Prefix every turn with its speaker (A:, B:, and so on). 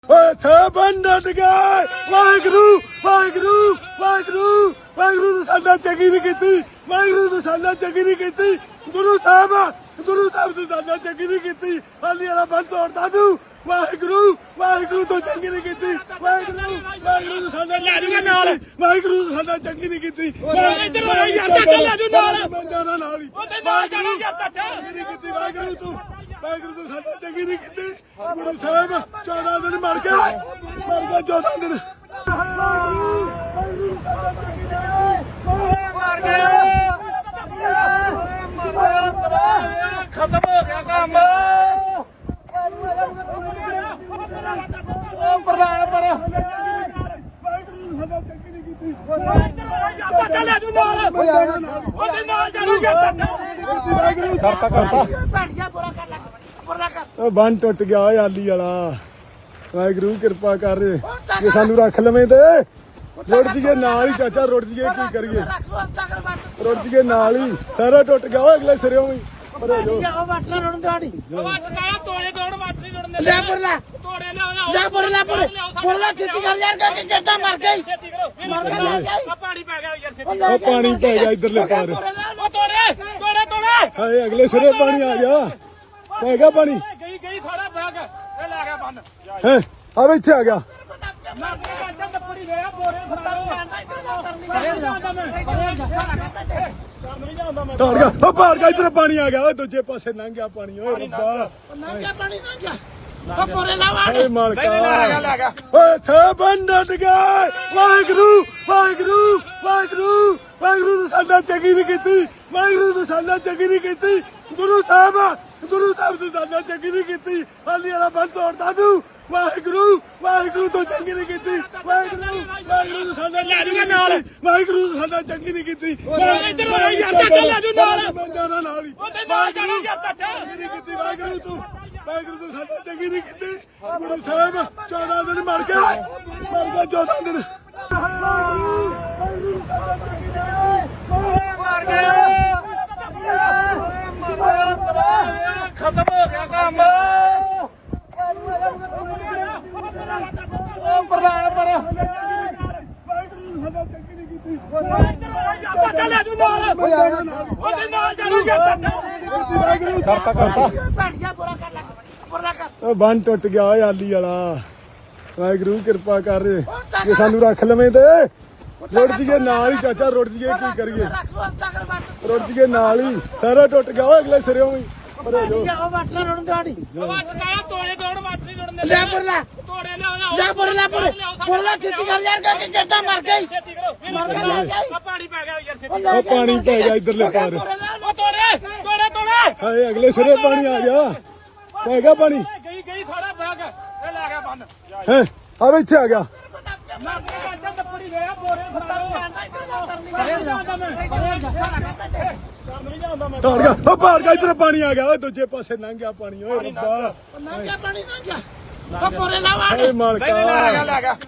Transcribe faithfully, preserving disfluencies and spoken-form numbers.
A: ਓਏ ਛੇ ਬੰਦਟ ਗਏ ਵਾਹਿਗੁਰੂ ਵਾਹਿਗੁਰੂ ਵਾਹਿਗੁਰੂ ਵਾਹਿਗੁਰੂ ਨੇ ਸਾਡਾ ਚੰਗੀ ਨਹੀਂ ਕੀਤੀ ਵਾਹਿਗੁਰੂ ਨੇ ਸਾਡਾ ਚੰਗੀ ਨਹੀਂ ਕੀਤੀ ਗੁਰੂ ਸਾਹਿਬ ਗੁਰੂ ਸਾਹਿਬ ਨੇ ਸਾਡਾ ਚੰਗੀ ਨਹੀਂ ਕੀਤੀ ਹਾਲੀ ਵਾਲਾ ਬੰਦ ਤੋੜਦਾ ਤੂੰ ਵਾਹਿਗੁਰੂ ਵਾਹਿਗੁਰੂ ਤੋਂ ਚੰਗੀ ਨਹੀਂ ਕੀਤੀ ਵਾਹਿਗੁਰੂ ਵਾਹਿਗੁਰੂ ਨੇ ਸਾਡਾ ਨਾਲ ਵਾਹਿਗੁਰੂ ਨੇ ਸਾਡਾ ਚੰਗੀ ਨਹੀਂ ਕੀਤੀ
B: ਇੱਧਰ ਆ ਯਾਰ ਚਾਚਾ ਲੈ ਜੂ ਨਾਲ
A: ਮੈਂ ਜਾਣਾ ਨਾਲ ਹੀ
B: ਉਹਦੇ ਨਾਲ ਜਾਣਾ ਯਾਰ ਚਾਚਾ
A: ਚੰਗੀ ਨਹੀਂ ਕੀਤੀ ਵਾਹਿਗੁਰੂ ਤੂੰ ਵਾਹਿਗੁਰੂ ਤੂੰ ਸਾਡਾ ਚੰਗੀ ਨਹੀਂ ਕੀਤੀ ਗੁਰੂ ਸਾਹਿਬ ਚੌਦਾਂ ਦਿਨ ਮਰ ਗਿਆ ਮਰ ਗਿਆ ਚੌਦਾਂ ਦਿਨ
B: ਮਰ ਗਿਆ ਖਤਮ ਹੋ ਗਿਆ ਕੰਮ ਉਹ ਪਰਲਾ ਪਰ ਚਾਚਾ ਲੈ ਜੂ ਨਾਲ ਉਹਦੇ ਨਾਲ ਜਾਣਾ ਯਾਰ ਚਾਚਾ
A: ਕਰਤਾ ਕਰਤਾ
B: ਬੈਠ ਗਿਆ ਪੂਰਾ ਕਰ ਲੈ ਪੂਰਾ ਕਰ
A: ਉਹ ਬੰਨ ਟੁੱਟ ਗਿਆ ਓਏ ਆਲੀ ਵਾਲਾ ਵਾਹਿਗੁਰੂ ਕਿਰਪਾ ਕਰ ਜੇ ਸਾਨੂੰ ਰੱਖ ਲਵੇਂ ਤੇ ਰੁੜ ਜੀਏ ਨਾਲ ਹੀ ਚਾਚਾ ਰੁੜ ਜੀਏ ਕੀ ਕਰੀਏ
B: ਰੱਖ ਲੋ ਅੰਤਾ ਕਰ ਬੱਟ
A: ਰੁੜ ਜੀਏ ਨਾਲ ਹੀ ਸਾਰਾ ਟੁੱਟ ਗਿਆ ਓਏ ਅਗਲੇ ਸਿਰਿਓਂ ਵੀ ਭਰੇ ਜੋ
B: ਉਹ ਬੱਟ ਨਾ ਰੁੜਨ ਦਾੜੀ
C: ਵੱਟ ਕਾਇਆ ਤੋੜੇ ਤੋੜ ਵੱਟ ਨਹੀਂ ਜੁੜਨੇ
B: ਲੈ ਪਰਲਾ
C: ਤੋੜੇ ਲਿਆਓ
B: ਜਾ ਪਰਲਾ ਪਰ ਪਰਲਾ ਛੇਤੀ ਕਰ ਯਾਰ ਕਿ ਜੱਟਾ ਮਰ ਗਈ
C: ਛੇਤੀ ਕਰੋ
B: ਮਰ ਗਿਆ
C: ਆ ਪਾਣੀ ਪੈ ਗਿਆ ਯਾਰ ਛੇਤੀ
A: ਉਹ ਪਾਣੀ ਪੈ ਗਿਆ ਇਧਰਲੇ ਪਾਰ
C: ਉਹ ਤੋੜੇ ਤੋੜੇ ਤੋੜੇ
A: ਹਾਏ ਅਗਲੇ ਸਿਰੇ ਪਾਣੀ ਆ ਗਿਆ ਪੈ ਗਿਆ ਪਾਣੀ
C: ਗਈ ਗਈ ਸਾਰਾ ਬੈਗ ਇਹ ਲੈ ਗਿਆ ਬੰਨ
A: ਹੈ ਆ ਇੱਥੇ ਆ ਗਿਆ
C: ਮੈਂ ਕਹਿੰਦਾ ਟੱਪੜੀ ਗਿਆ ਬੋਰੇ ਫੜਾਓ ਨਹੀਂ ਜਾਂਦਾ ਮੈਂ
A: ਟਾੜ ਗਿਆ ਉਹ ਪਾੜ ਗਿਆ ਇਧਰ ਪਾਣੀ ਆ ਗਿਆ ਓਏ ਦੂਜੇ ਪਾਸੇ ਲੰਘ ਗਿਆ ਪਾਣੀ ਓਏ ਰੱਬਾ
B: ਨਾ ਗਿਆ ਪਾਣੀ ਨਾ ਗਿਆ ਉਹ ਪਰੇ ਲਾ ਵਾੜ
A: ਹਾਏ ਮਾਲਕਾ
C: ਲੈ ਗਿਆ ਲੈ ਗਿਆ
A: ਓਏ ਛੇ ਬੰਦਟ ਗਏ ਵਾਹਿਗੁਰੂ ਵਾਹਿਗੁਰੂ ਵਾਹਿਗੁਰੂ ਵਾਹਿਗੁਰੂ ਨੇ ਸਾਡਾ ਚੰਗੀ ਨਹੀਂ ਕੀਤੀ ਵਾਹਿਗੁਰੂ ਨੇ ਸਾਡਾ ਚੰਗੀ ਨਹੀਂ ਕੀਤੀ ਗੁਰੂ ਸਾਹਿਬ ਗੁਰੂ ਸਾਹਿਬ ਨੇ ਸਾਡਾ ਚੰਗੀ ਨਹੀਂ ਕੀਤੀ ਹਾਲੀ ਵਾਲਾ ਬੰਦ ਤੋੜਦਾ ਤੂੰ ਵਾਹਿਗੁਰੂ ਵਾਹਿਗੁਰੂ ਤੋਂ ਚੰਗੀ ਨਹੀਂ ਕੀਤੀ ਵਾਹਿਗੁਰੂ ਵਾਹਿਗੁਰੂ ਨੇ ਸਾਡਾ ਚੰਗੀ ਨਹੀਂ ਕੀਤੀ ਵਾਹਿਗੁਰੂ ਨੇ ਸਾਡਾ ਚੰਗੀ ਨਹੀਂ ਕੀਤੀ
B: ਇੱਧਰ ਆ ਯਾਰ ਚਾਚਾ ਲੈ ਜੂ ਨਾਲ
A: ਮੈਂ ਜਾਣਾ ਨਾਲ ਹੀ
C: ਉਹਦੇ ਨਾਲ ਜਾਣਾ ਯਾਰ ਚਾਚਾ
A: ਚੰਗੀ ਨਹੀਂ ਕੀਤੀ ਵਾਹਿਗੁਰੂ ਤੂੰ ਵਾਹਿਗੁਰੂ ਤੂੰ ਸਾਡਾ ਚੰਗੀ ਨਹੀਂ ਕੀਤੀ ਗੁਰੂ ਸਾਹਿਬ ਚੌਦਾਂ ਦਿਨ ਮਰ ਗਿਆ ਮਰ ਗਿਆ ਚੌਦਾਂ ਦਿਨ
B: ਮਰ ਗਿਆ ਖਤਮ ਹੋ ਗਿਆ ਕੰਮ ਉਹ ਪਰਲਾ ਪਰ ਚਾਚਾ ਲੈ ਜੂ ਨਾਲ ਉਹਦੇ ਨਾਲ ਜਾਣਾ ਯਾਰ ਚਾਚਾ
A: ਕਰਤਾ ਕਰਤਾ
B: ਬੈਠ ਗਿਆ ਪੂਰਾ ਕਰ ਲੈ ਪੂਰਾ ਕਰ
A: ਉਹ ਬੰਨ ਟੁੱਟ ਗਿਆ ਓਏ ਆਲੀ ਵਾਲਾ ਵਾਹਿਗੁਰੂ ਕਿਰਪਾ ਕਰ ਜੇ ਸਾਨੂੰ ਰੱਖ ਲਵੇਂ ਤੇ ਰੁੜ ਜੀਏ ਨਾਲ ਹੀ ਚਾਚਾ ਰੁੜ ਜੀਏ ਕੀ ਕਰੀਏ
B: ਰੱਖ ਲੋ ਅੰਤਾ ਕਰ ਬੱਟ
A: ਰੁੜ ਜੀਏ ਨਾਲ ਹੀ ਸਾਰਾ ਟੁੱਟ ਗਿਆ ਓਏ ਅਗਲੇ ਸਿਰਿਓਂ ਵੀ ਭਰੇ ਜੋ
B: ਉਹ ਬੱਟ ਨਾ ਰੁੜਨ ਦਾੜੀ
C: ਵੱਟ ਕਾਇਆ ਤੋੜੇ ਤੋੜ ਵੱਟ ਨਹੀਂ ਜੁੜਨੇ
B: ਲੈ ਪਰਲਾ
C: ਤੋੜੇ ਲਿਆਓ
B: ਜਾ ਪਰਲਾ ਪਰ ਪਰਲਾ ਛੇਤੀ ਕਰ ਯਾਰ ਕਿ ਜੱਟਾ ਮਰ ਗਈ
C: ਛੇਤੀ ਕਰੋ
B: ਮਰ ਗਿਆ
C: ਆ ਪਾਣੀ ਪੈ ਗਿਆ ਯਾਰ ਛੇਤੀ
A: ਉਹ ਪਾਣੀ ਪੈ ਗਿਆ ਇਧਰਲੇ ਪਾਰ
C: ਉਹ ਤੋੜੇ ਤੋੜੇ ਤੋੜੇ
A: ਹਾਏ ਅਗਲੇ ਸਿਰੇ ਪਾਣੀ ਆ ਗਿਆ ਪੈ ਗਿਆ ਪਾਣੀ
C: ਗਈ ਗਈ ਸਾਰਾ ਬੈਗ ਇਹ ਲੈ ਗਿਆ ਬੰਨ
A: ਹੈ ਆ ਇੱਥੇ ਆ ਗਿਆ
C: ਮੈਂ ਕਹਿੰਦਾ ਟੱਪੜੀ ਗਿਆ ਬੋਰੇ ਫੜਾਓ ਨਹੀਂ ਜਾਂਦਾ ਮੈਂ
A: ਟਾੜ ਗਿਆ ਉਹ ਪਾੜ ਗਿਆ ਇਧਰ ਪਾਣੀ ਆ ਗਿਆ ਓਏ ਦੂਜੇ ਪਾਸੇ ਲੰਘ ਗਿਆ ਪਾਣੀ ਓਏ ਰੱਬਾ
B: ਨਾ ਗਿਆ ਪਾਣੀ ਨਾ ਗਿਆ ਉਹ ਪਰੇ ਲਾ ਵਾੜ
A: ਹਾਏ ਮਾਲਕਾ
C: ਲੈ ਗਿਆ ਲੈ ਗਿਆ